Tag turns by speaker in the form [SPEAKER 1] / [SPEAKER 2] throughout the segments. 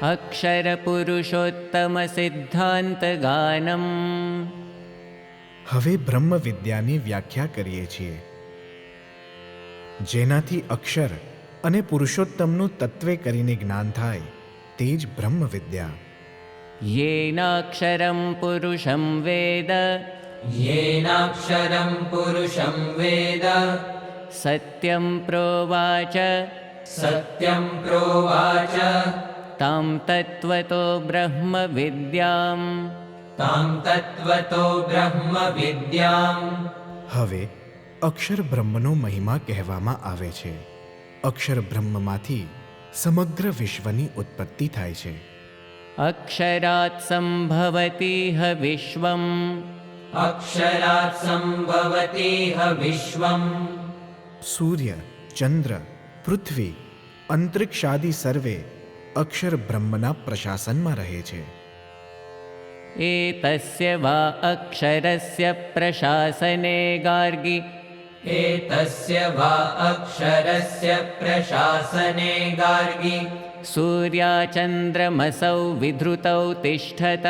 [SPEAKER 1] અક્ષરપુરુષોત્તમસિદ્ધાંતગાનમ.
[SPEAKER 2] હવે બ્રહ્મ વિદ્યાની વ્યાખ્યા કરીએ છીએ. જેનાથી અક્ષર અને પુરુષોત્તમનું તત્વે કરીને જ્ઞાન થાય તે જ બ્રહ્મ વિદ્યા.
[SPEAKER 1] યેનાક્ષરં પુરુષં વેદ
[SPEAKER 3] येनाक्षरं पुरुषं वेद
[SPEAKER 1] સત્યં પ્રોવાચ
[SPEAKER 3] सत्यं प्रोवाच
[SPEAKER 1] તામ તત્વતો બ્રહ્મ વિદ્યામ.
[SPEAKER 3] तां तत्त्वतो ब्रह्मविद्याम्.
[SPEAKER 2] હવે અક્ષર બ્રહ્મનો મહિમા કહેવામાં આવે છે. અક્ષર બ્રહ્મમાંથી સમગ્ર વિશ્વની ઉત્પત્તિ થાય છે.
[SPEAKER 1] અક્ષરાત સંભવતીહ વિશ્વમ.
[SPEAKER 3] अक्षरात् सम्भवतीह विश्वम्.
[SPEAKER 2] સૂર્ય, ચંદ્ર, પૃથ્વી, અંતરિક્ષાદિ સર્વે અક્ષર બ્રહ્મના પ્રશાસનમાં રહે છે.
[SPEAKER 1] એતસ્ય વા અક્ષરસ્ય પ્રશાસને ગાર્ગી.
[SPEAKER 3] एतस्य वा अक्षरस्य प्रशासने गार्गी.
[SPEAKER 1] સૂર્યાચંદ્રમસૌ વિધૃતૌ તિષ્ઠતઃ.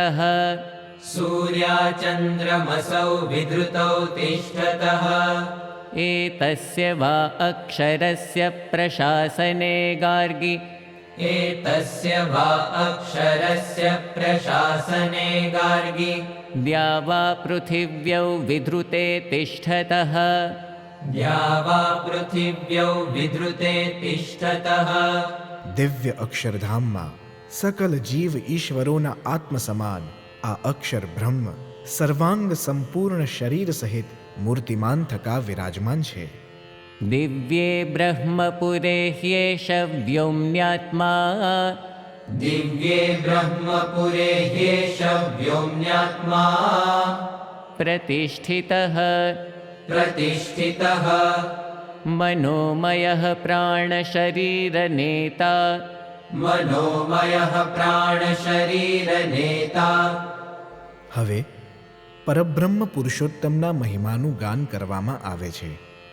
[SPEAKER 3] सूर्याचन्द्रमसौ विधृतौ तिष्ठतः.
[SPEAKER 1] एतस्य वा अक्षरस्य प्रशासने गार्गि.
[SPEAKER 3] एतस्य वा अक्षरस्य प्रशासने गार्गी.
[SPEAKER 1] द्या वा पृथिव्यौ विधृते तिष्ठतः.
[SPEAKER 3] द्या वा पृथिव्यौ विधृते तिष्ठतः.
[SPEAKER 2] દિવ્ય અક્ષરધામમાં સકલ જીવ ઈશ્વરોના આત્મ સમાન આ અક્ષર બ્રહ્મ સર્વાંગ સંપૂર્ણ શરીર સહિત મૂર્તિમાન થકા વિરાજમાન છે.
[SPEAKER 1] दिव्ये ब्रह्मपुरे ह्येष व्योम्न्यात्मा.
[SPEAKER 3] दिव्ये ब्रह्मपुरे ह्येष व्योम्न्यात्मा.
[SPEAKER 1] प्रतिष्ठितः.
[SPEAKER 3] प्रतिष्ठितः.
[SPEAKER 1] मनोमयः प्राणशरीरनेता.
[SPEAKER 3] मनोमयः प्राणशरीरनेता.
[SPEAKER 2] હવે પરબ્રહ્મ પુરુષોત્તમના મહિમાનું ગાન કરવામાં આવે છે.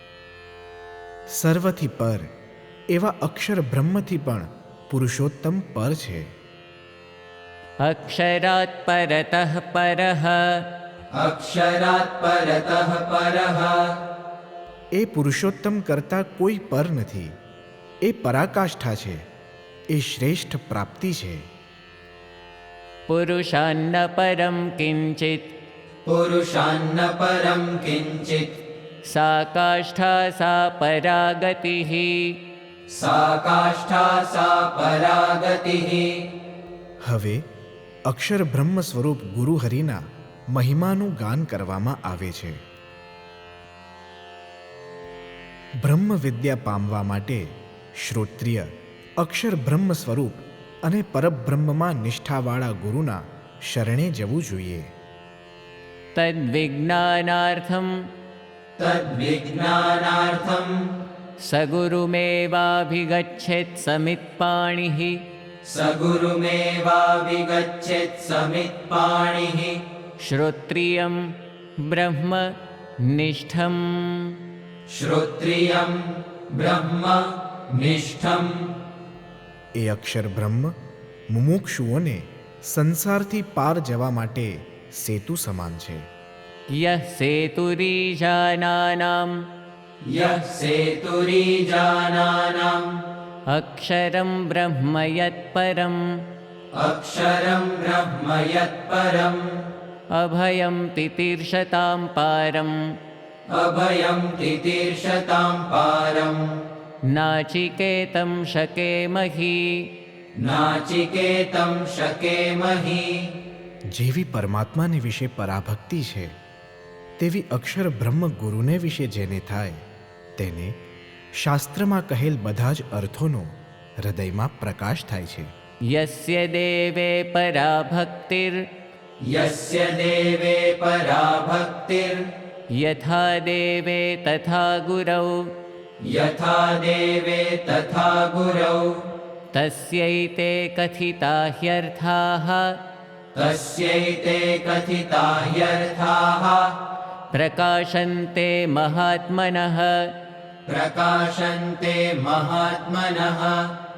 [SPEAKER 2] સર્વથી પર એવા અક્ષર બ્રહ્મથી પણ પુરુષોત્તમ પર છે.
[SPEAKER 1] अक्षरात् परतः परः.
[SPEAKER 3] अक्षरात् परतः परः.
[SPEAKER 2] એ પુરુષોત્તમ કરતાં કોઈ પર નથી. એ પરાકાષ્ઠા છે. એ શ્રેષ્ઠ પ્રાપ્તિ છે.
[SPEAKER 1] पुरुषान्न परं किञ्चित्.
[SPEAKER 3] पुरुषान्न परं किञ्चित्.
[SPEAKER 1] सा काष्ठा सा परागतिः.
[SPEAKER 3] सा काष्ठा सा परागतिः.
[SPEAKER 2] હવે અક્ષર બ્રહ્મ સ્વરૂપ ગુરુ હરિના મહિમાનું ગાન કરવામાં આવે છે. બ્રહ્મ વિદ્યા પામવા માટે શ્રોત્રિય અક્ષર બ્રહ્મ સ્વરૂપ અને પરબ્રહ્મમાં નિષ્ઠાવાળા ગુરુના શરણે જવું જોઈએ.
[SPEAKER 1] तद्विज्ञानार्थं
[SPEAKER 3] तद्विज्ञानार्थं
[SPEAKER 1] सगुरुमेवाभिगच्छेत् समित्पाणिः.
[SPEAKER 3] सगुरुमेवाभिगच्छेत् समित्पाणिः.
[SPEAKER 1] श्रोत्रियं ब्रह्म निष्ठं.
[SPEAKER 3] श्रोत्रियं ब्रह्म निष्ठम्.
[SPEAKER 2] એ અક્ષર બ્રહ્મ મુમુક્ષુઓને સંસારથી પાર જવા માટે સેતુ સમાન છે.
[SPEAKER 1] यः सेतुरीजानानाम्
[SPEAKER 3] यः सेतुरीजानानाम्
[SPEAKER 1] अक्षरं ब्रह्म यत्परम्.
[SPEAKER 3] अक्षरं ब्रह्म यत्परम्.
[SPEAKER 1] अभयं तितीर्षतां पारम्.
[SPEAKER 3] अभयं तितीर्षतां पारम्.
[SPEAKER 1] नाचिकेतं शकेमहि.
[SPEAKER 3] नाचिकेतं शकेमहि.
[SPEAKER 2] જેવી પરમાત્માને વિશે પરાભક્તિ છે તેવી અક્ષર બ્રહ્મ ગુરુને વિશે જેને થાય તેને શાસ્ત્રમાં કહેલ બધા જ અર્થોનો હૃદયમાં પ્રકાશ થાય છે.
[SPEAKER 1] यस्य देवे पराभक्तिर्.
[SPEAKER 3] यस्य देवे पराभक्तिर्.
[SPEAKER 1] यथा देवे तथा गुरौ.
[SPEAKER 3] यथा देवे तथा गुरौ.
[SPEAKER 1] तस्यैते कथिता ह्यर्थाः.
[SPEAKER 3] तस्यैते कथिता ह्यर्थाः.
[SPEAKER 1] प्रकाशन्ते महात्मनः.
[SPEAKER 3] प्रकाशन्ते महात्मनः.